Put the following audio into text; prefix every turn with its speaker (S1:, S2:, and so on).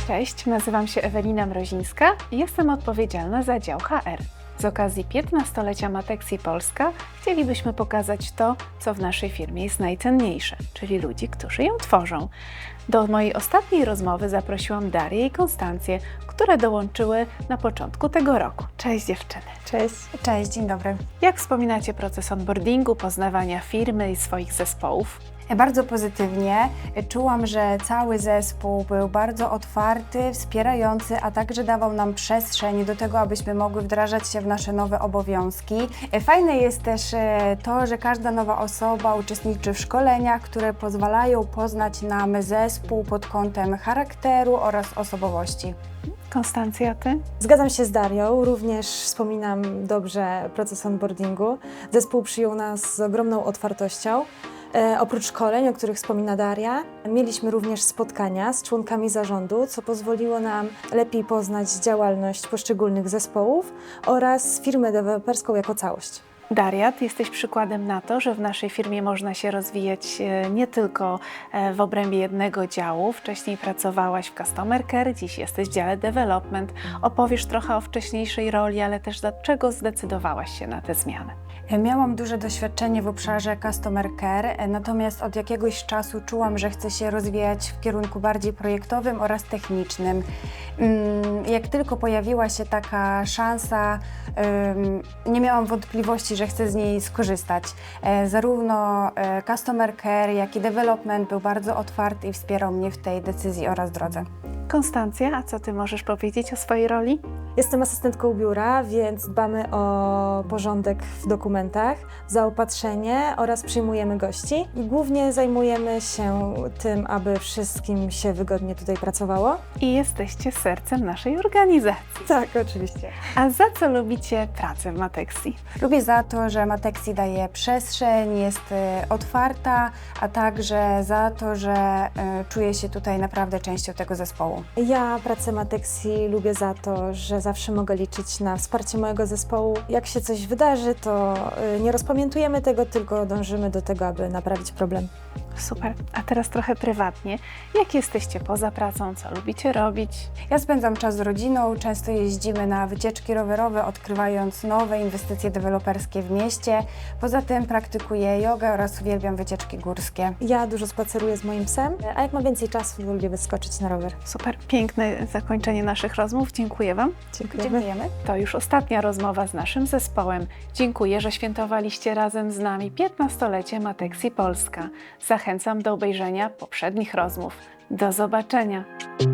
S1: Cześć, nazywam się Ewelina Mrozińska i jestem odpowiedzialna za dział HR. Z okazji 15-lecia Matexi Polska chcielibyśmy pokazać to, co w naszej firmie jest najcenniejsze, czyli ludzi, którzy ją tworzą. Do mojej ostatniej rozmowy zaprosiłam Darię i Konstancję, które dołączyły na początku tego roku. Cześć dziewczyny.
S2: Cześć.
S3: Cześć, dzień dobry.
S1: Jak wspominacie proces onboardingu, poznawania firmy i swoich zespołów?
S3: Bardzo pozytywnie. Czułam, że cały zespół był bardzo otwarty, wspierający, a także dawał nam przestrzeń do tego, abyśmy mogły wdrażać się w nasze nowe obowiązki. Fajne jest też to, że każda nowa osoba uczestniczy w szkoleniach, które pozwalają poznać nam zespół pod kątem charakteru oraz osobowości.
S1: Konstancja, ty?
S2: Zgadzam się z Darią, również wspominam dobrze proces onboardingu. Zespół przyjął nas z ogromną otwartością. Oprócz szkoleń, o których wspomina Daria, mieliśmy również spotkania z członkami zarządu, co pozwoliło nam lepiej poznać działalność poszczególnych zespołów oraz firmę deweloperską jako całość.
S1: Daria, ty jesteś przykładem na to, że w naszej firmie można się rozwijać nie tylko w obrębie jednego działu. Wcześniej pracowałaś w Customer Care, dziś jesteś w dziale Development. Opowiesz trochę o wcześniejszej roli, ale też dlaczego zdecydowałaś się na tę zmianę?
S3: Miałam duże doświadczenie w obszarze Customer Care, natomiast od jakiegoś czasu czułam, że chcę się rozwijać w kierunku bardziej projektowym oraz technicznym. Jak tylko pojawiła się taka szansa, nie miałam wątpliwości, że chcę z niej skorzystać. Zarówno Customer Care, jak i Development był bardzo otwarty i wspierał mnie w tej decyzji oraz drodze.
S1: Konstancja, a co ty możesz powiedzieć o swojej roli?
S2: Jestem asystentką biura, więc dbamy o porządek w dokumentach, zaopatrzenie oraz przyjmujemy gości. I głównie zajmujemy się tym, aby wszystkim się wygodnie tutaj pracowało.
S1: I jesteście sercem naszej organizacji.
S2: Tak, oczywiście.
S1: A za co lubicie pracę w Matexi?
S3: Lubię za to, że Matexi daje przestrzeń, jest otwarta, a także za to, że czuję się tutaj naprawdę częścią tego zespołu.
S2: Ja pracę Matexi lubię za to, że zawsze mogę liczyć na wsparcie mojego zespołu. Jak się coś wydarzy, to nie rozpamiętujemy tego, tylko dążymy do tego, aby naprawić problem.
S1: Super. A teraz trochę prywatnie. Jak jesteście poza pracą? Co lubicie robić?
S3: Ja spędzam czas z rodziną, często jeździmy na wycieczki rowerowe, odkrywając nowe inwestycje deweloperskie w mieście. Poza tym praktykuję jogę oraz uwielbiam wycieczki górskie.
S2: Ja dużo spaceruję z moim psem, a jak mam więcej czasu, to lubię wyskoczyć na rower.
S1: Super. Piękne zakończenie naszych rozmów. Dziękuję Wam.
S3: Dziękujemy.
S1: To już ostatnia rozmowa z naszym zespołem. Dziękuję, że świętowaliście razem z nami 15-lecie Matexi Polska. Zachęcam do obejrzenia poprzednich rozmów. Do zobaczenia!